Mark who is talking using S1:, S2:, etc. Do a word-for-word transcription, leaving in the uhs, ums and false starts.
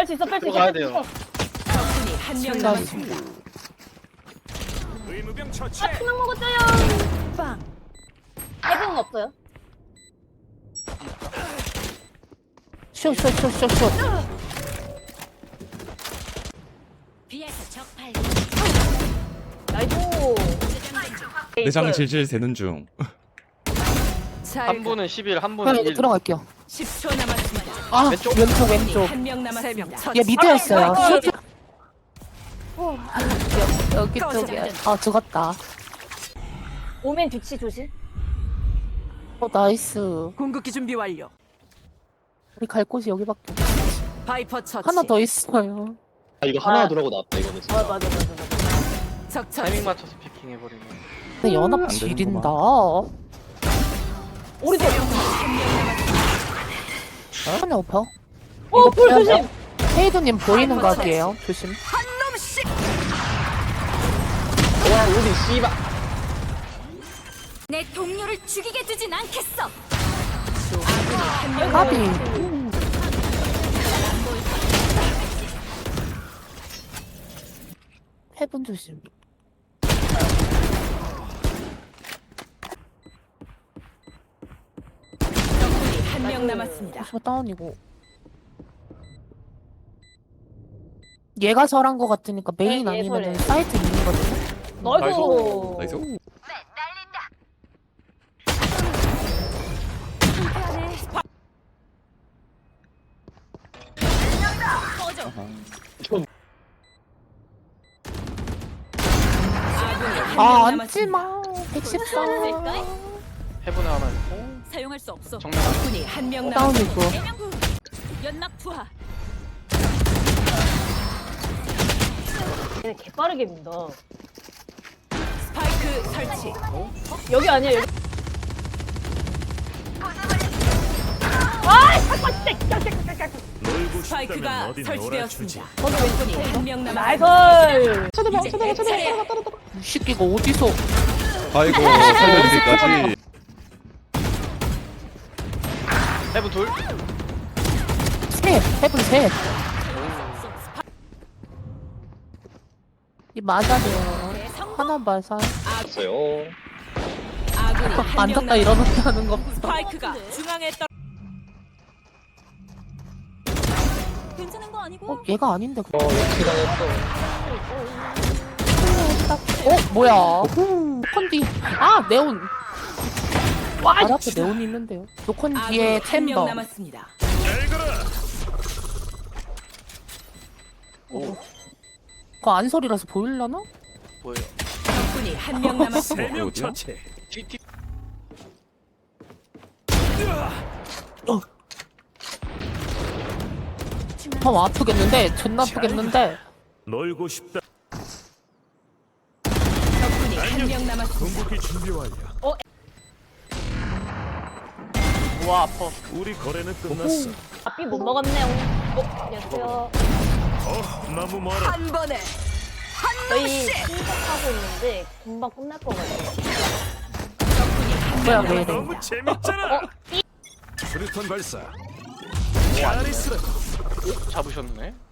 S1: 뺄 수 있어, 뺄 수 있어.
S2: 들어가야
S1: 뺄수
S2: 돼요.
S1: 있어.
S3: 적군이 한 명 남았습니다.
S4: 의무병 처치.
S1: 아, 그만 먹었어요.
S3: 빵.
S1: 해봉은 없어요.
S5: 쇼쇼쇼쇼쇼.
S3: 비에서 적발.
S1: 아이고.
S6: 내장 질질 새는 중.
S2: 한 분은 십일, 한
S5: 그냥
S2: 분은
S5: 이제
S2: 일.
S5: 들어갈게요.
S3: 십 초 남았습니다.
S5: 아
S2: 왼쪽?
S5: 왼쪽 왼쪽.
S3: 한 명 남았습니다.
S5: 얘 밑에였어요.
S1: 아,
S5: 쇼. 여기 쪽에. 아 죽었다.
S1: 오멘 뒤치 조심.
S5: 어 나이스.
S3: 공격기 준비 완료.
S5: 우리 갈 곳이 여기밖에. 없어.
S3: 바이퍼 처치.
S5: 하나 더 있어요.
S2: 아 이거 하나 들어가고 나왔다 이거는.
S1: 아, 맞아, 맞아, 맞아.
S3: 적 처치.
S2: 타이밍 맞춰서 피킹해버리네.
S5: 근데 연합
S6: 안
S5: 지린다.
S1: 오른쪽.
S5: 하나 오퍼.
S1: 어, 불 조심.
S5: 헤이드님 보이는 각이에요. 조심.
S3: 한 놈씩.
S2: 와 어디 씨발.
S3: 내 동료를 죽이게 두진 않겠어.
S5: 까비. 해분 조심.
S3: 한 명 남았습니다.
S5: 저 다운이고. 얘가 설한 거 같으니까 메인
S1: 네, 얘
S5: 아니면
S1: 설해.
S5: 사이트 있는 거거든요.
S1: 아이고.
S6: 나이스.
S5: 아 앉지마. 백십사.
S2: 해븐에 하나 있고.
S3: 사용할 수 없어.
S2: 정면.
S3: 적군이 한 명 남았습니다.
S5: 다운이고.
S3: 연락 투하.
S1: 얘 개빠르게 민다.
S3: 스파이크 설치.
S1: 여기 아니야, 여기. 아, 잠깐, 진짜.
S4: 놀고
S3: 스파이크가
S4: 싶다면 어디
S3: 설치되었습니다.
S4: 놀아주지.
S1: 거기 왼쪽이.
S3: 한 명
S1: 나이스.
S3: 남았습니다.
S1: 쳐다봐,
S3: 이제
S1: 쳐다봐,
S3: 내
S1: 쳐다봐.
S3: 차례.
S5: 이 새끼가 어디서?
S6: 아이고 살려주기까지.
S2: 해븐 둘.
S5: 셋. 해분 셋. 이 맞아요. 하나 맞아.
S2: 있어요.
S3: 아군이 한 명
S5: 앉았다
S3: 남았습니다.
S5: 일어났다는 거.
S3: 스파이크가 중앙에 떨. 괜찮은 거 아니고?
S5: 어 얘가 아닌데.
S2: 어 역시당했어.
S5: 어 뭐야? 컨디. 아 네온.
S1: 와,
S5: 발 앞에 네온이 있는데요. 노컨 뒤에
S3: 아군이 한 명
S5: 챔버.
S3: 남았습니다.
S4: 잘 가라.
S5: 그거 안 소리라서 보일라나?
S2: 뭐예요?
S3: 적군이 한 명 남았습니다.
S4: 세명
S6: 어디야?
S4: 처치.
S2: 티티.
S5: 어 아프겠는데? 존나 아프겠는데?
S4: 놀고 싶다.
S3: 적군이 한 명 남았습니다.
S4: 궁극기 준비 완료.
S2: 우와 아퍼.
S4: 우리 거래는 끝났어.
S1: 앞이 못 먹었네요. 어, 안녕하세요.
S4: 어, 너무 멀어.
S3: 한 번에
S1: 저희 신속하고 있는데 금방 끝날 것 같아요.
S5: 뭐야 왜 이래?
S4: 너무 재밌잖아. 수류탄 발사. 잘 있으라.
S2: 잡으셨네.